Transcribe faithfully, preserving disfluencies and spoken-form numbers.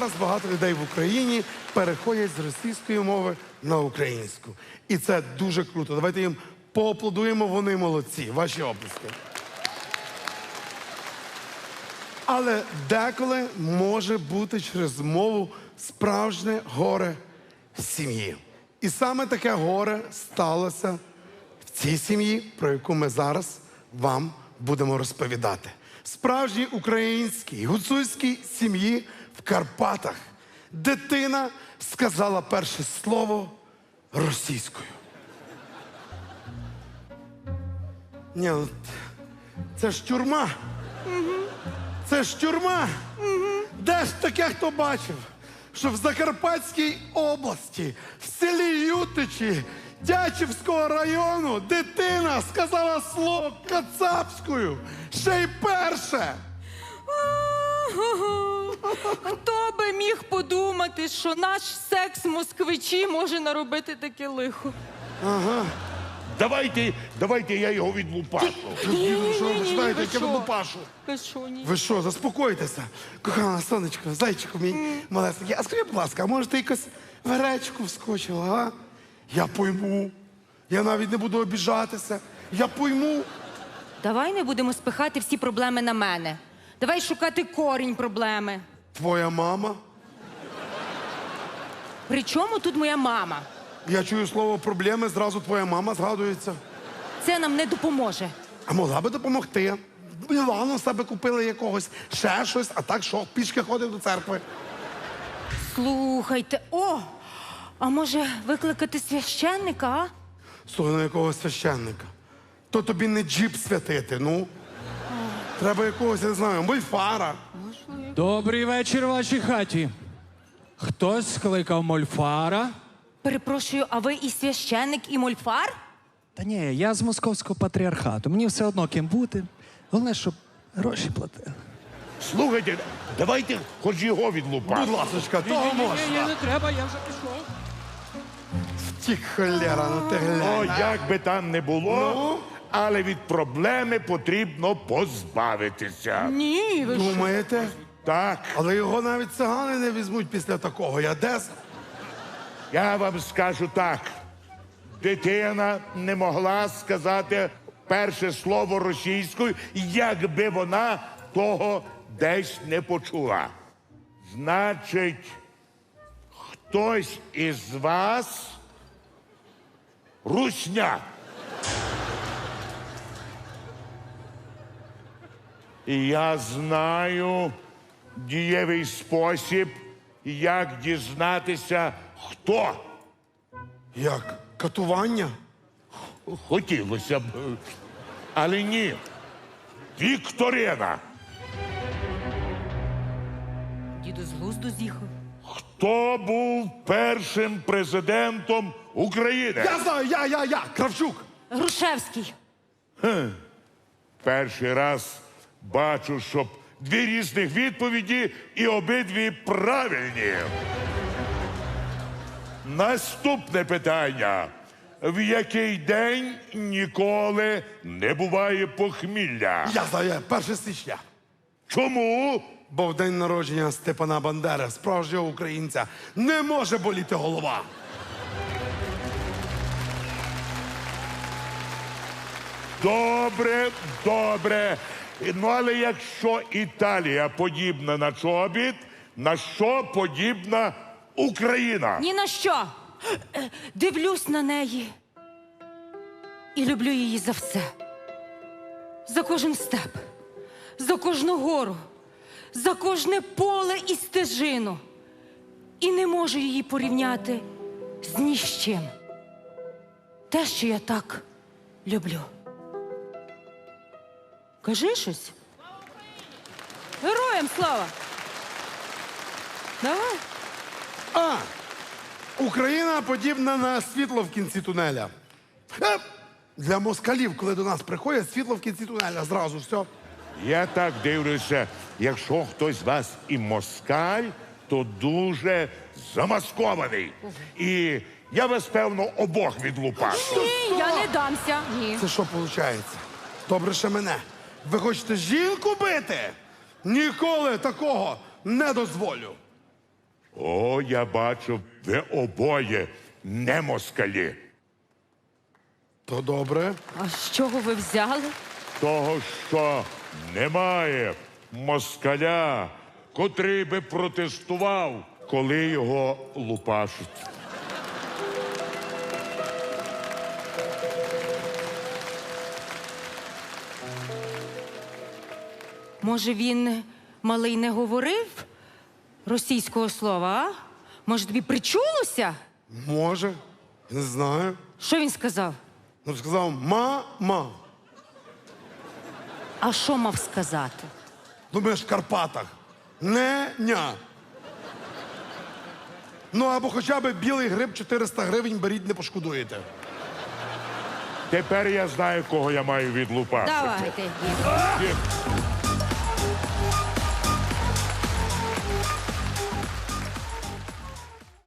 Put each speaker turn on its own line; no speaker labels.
зараз багато людей в Україні переходять з російської мови на українську. І це дуже круто. Давайте їм поаплодуємо, вони молодці. Ваші оплески. Але деколи може бути через мову справжнє горе в сім'ї. І саме таке горе сталося в цій сім'ї, про яку ми зараз вам будемо розповідати. В справжній українській гуцульській сім'ї в Карпатах дитина сказала перше слово російською. Ні, ну, це ж тюрма. Це ж тюрма. Де ж таке хто бачив, що в Закарпатській області, в селі Ютичі, Тячівського району дитина сказала слово кацапською. Ще й перше.
Хто би міг подумати, що наш секс москвичі може наробити таке лихо?
Давайте, давайте я його відлупашу.
Діду, що ви
Ні-ні-ні,
починаєте,
ви
яке
що?
лупашу?
Ви що, ні?
Ви що, заспокойтеся. Кохана сонечко, зайчику мій малесенький. А скажи, будь ласка, а може ти якось в гречку вскочила, а? Я пойму. Я навіть не буду обіжатися. Я пойму.
Давай не будемо спихати всі проблеми на мене. Давай шукати корінь проблеми.
Твоя мама?
При чому тут моя мама?
Я чую слово проблеми, зразу твоя мама згадується.
Це нам не допоможе.
А могла би допомогти. Мілану себе купили якогось, ще щось, а так що, пішки ходив до церкви.
Слухайте, о! А може викликати священника, а?
Слухай, на якого священника? То тобі не джіп святити, ну. Треба якогось, я не знаю, мольфара.
Добрий вечір в вашій хаті. Хтось скликав мольфара?
Перепрошую, а ви і священник, і мольфар?
Та ні, я з московського патріархату. Мені все одно ким бути. Головне, щоб гроші платили.
Слухайте, давайте хоч його відлупашу.
Будь ласочка, того можна.
не треба, я вже пішов.
Втік, холера, ну ти
О,
глянь.
як би там не було,
Ну?
але від проблеми потрібно позбавитися.
Ні, ви що?
Думаєте?
Так,
Але його навіть цигани не візьмуть після такого. Я десь.
я вам скажу так. Дитина не могла сказати перше слово російською, якби вона того десь не почула. Значить, хтось із вас русня. І я знаю дієвий спосіб, як дізнатися, хто.
Як? Катування?
Хотілося б, але ні. Вікторина.
Діду з глузду з'їхав.
Хто був першим президентом України?
Я знаю, я, я, я, Кравчук.
Грушевський.
Перший раз бачу, щоб дві різних відповіді і обидві правильні. Наступне питання. В який день ніколи не буває похмілля?
Я знаю, перше січня.
Чому?
Бо в день народження Степана Бандери, справжнього українця, не може боліти голова.
Добре, добре. Ну, але якщо Італія подібна на чобіт, на що подібна Україна?
Ні на що. Е, Дивлюсь на неї і люблю її за все. За кожен степ, за кожну гору, за кожне поле і стежину. І не можу її порівняти з ні з чим. Те, що я так люблю. Кажи щось. Героям слава! Давай.
А, Україна подібна на світло в кінці тунеля. Е, Для москалів, коли до нас приходять, світло в кінці тунеля зразу, все.
Я так дивлюся, якщо хтось з вас і москаль, то дуже замаскований. І я вас, певно, обох відлупашу.
Ні, я не дамся. Ні.
Це що виходить? Добре ще мене. Ви хочете жінку бити? Ніколи такого не дозволю.
О, я бачу, ви обоє не москалі.
То добре.
А з чого ви взяли?
Того, що немає москаля, котрий би протестував, коли його лупашуть.
Може, він малий не говорив російського слова, а? Може, тобі причулося?
Може, не знаю.
Що він сказав?
Ну, сказав ма-ма.
А що мав сказати?
Думаєш, в Карпатах. Не-ня. Ну, або хоча б білий гриб чотириста гривень беріть, не пошкодуєте.
Тепер я знаю, кого я маю відлупашити.
Давайте.
Ні.